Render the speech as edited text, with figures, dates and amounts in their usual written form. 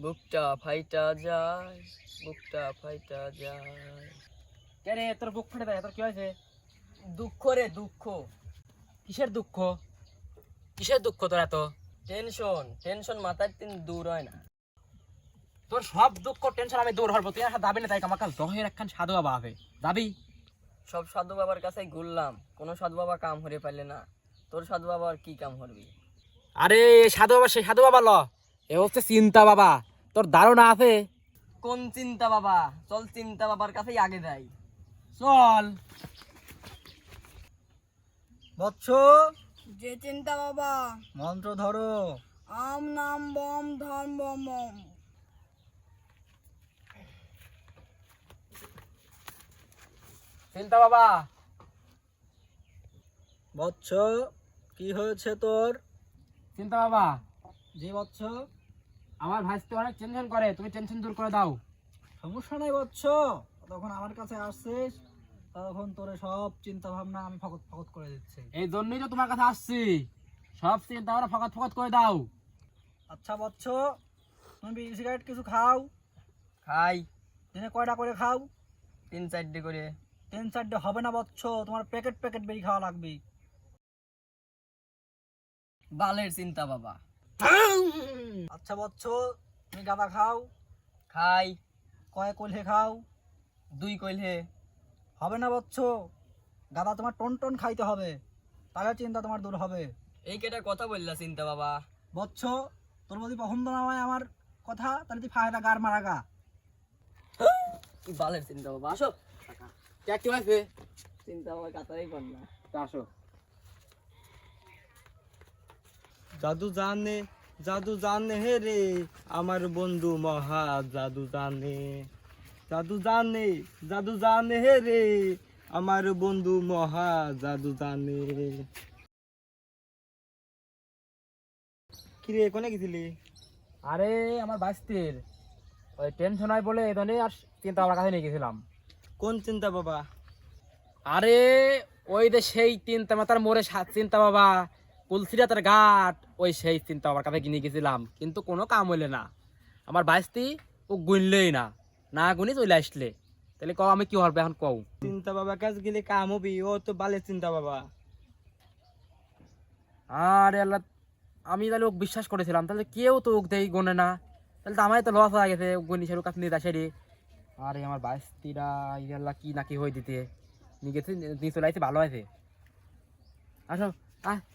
বুকটা ফাইটা যায়, বুকটা ফাইটা যায়। কে রে তোর বুক ফেটে দেয়? তোর কি হয়েছে? দুঃখ রে দুঃখ। কিসের দুঃখ? কিসের দুঃখ তোর এত? টেনশন টেনশন মাথার দিন দূর হয় না। তোর সব দুঃখ টেনশন আমি দূর হবো, তুই আর যাবি না? তাই আমার কাছে দহের একখান সাধু বাবা হবে, যাবি? সব সাধু বাবার কাছে ঘুরলাম, কোনো সাধু বাবা কাম হরে পাইলে না। তোর সাধু বাবা আর কি কাম করবি? আরে সাধু বাবা, সেই সাধু বাবা ল, এ হচ্ছে চিন্তা বাবা। তোর ধারণা আছে? কোন চিন্তা বাবা? চল চিন্তা বাবার কাছেই আগে যাই। চল। বৎস, যে চিন্তা বাবা। মন্ত্র ধরো। আম নাম বম ধর্ম বম। চিন্তা বাবা। বৎস, কি হয়েছে তোর? চিন্তা বাবা, জি বৎস। আমার ভাইস্তে অনেক টেনশন করে, তুমি টেনশন দূর করে দাও। সমস্যা নাই বৎস, তখন আমার কাছে আসছিস, তখন তোর সব চিন্তা ভাবনা আমি ফকত ফকত করে দিচ্ছি। এই জন্যই তো তোমার কাছে আসছি, সব চিন্তা ভাবনা ফকাত ফকাত করে দাও। আচ্ছা বৎস, তুমি বিড়ি সিগারেট কিছু খাও? খাই দিনে কয়টা করে খাও? 3-4টে করে। 3-4টে হবে না বৎস, তোমার প্যাকেট প্যাকেট বিড়ি খাওয়া লাগবে। বালের চিন্তা বাবা। আচ্ছা বৎস, তুমি গাঁদা খাও? খাই কয় কলহে খাও? 2 কইলহে। হবে না বৎস, গাঁদা তোমার টন টন খাইতে হবে, তাহলে চিন্তা তোমার দূর হবে। এই কেটা কথা বললা চিন্তা বাবা? বৎস, তোর যদি পছন্দ না হয় আমার কথা, তাহলে তুই ফায়দা গার মারা গা। কি বালের চিন্তা বাবা, আসো। কি হয়েছে? চিন্তা বাবা কাতারই কর না। আসো। জাদু জানে হে রে আমার বন্ধু মহা জাদু জানে, জাদু জানে, জাদু জানে হে রে আমার বন্ধু মহা জাদু জানে। কিরে কোনে গেছিলি? আরে আমার ভাইস্তির ওই টেনশন হয় বলে এই ধরনের আর চিন্তা আমার কাছে নিয়ে গেছিলাম। কোন চিন্তা বাবা? আরে ওই যে সেই চিন্তা মাতার মোড়ে চিন্তা বাবা, কুলসিরা তার ঘাট, ওই সেই চিন্তা বাবার কাছে কিনে গেছিলাম, কিন্তু কোনো কাম হইলে না। আমার বাইস্তি ও গুনলেই না, না গুনি চলে আসলে, তাহলে কও আমি কি হবে এখন কও? চিন্তা বাবা কাছে গেলে কাম হবি? ও তো বালের চিন্তা বাবা। আরে আল্লাহ, আমি তাহলে ওকে বিশ্বাস করেছিলাম, তাহলে কেউ তো ওকে দেই গোনে না, তাহলে তো আমার তো লস হয়ে গেছে। গুনি সেরু কাছে নিয়ে আসে রে। আরে আমার বাইস্তিরা আল্লাহ কি নাকি হয়ে দিতে নিয়ে গেছে, নিয়ে চলে আসছে, ভালো আছে। আসো আহ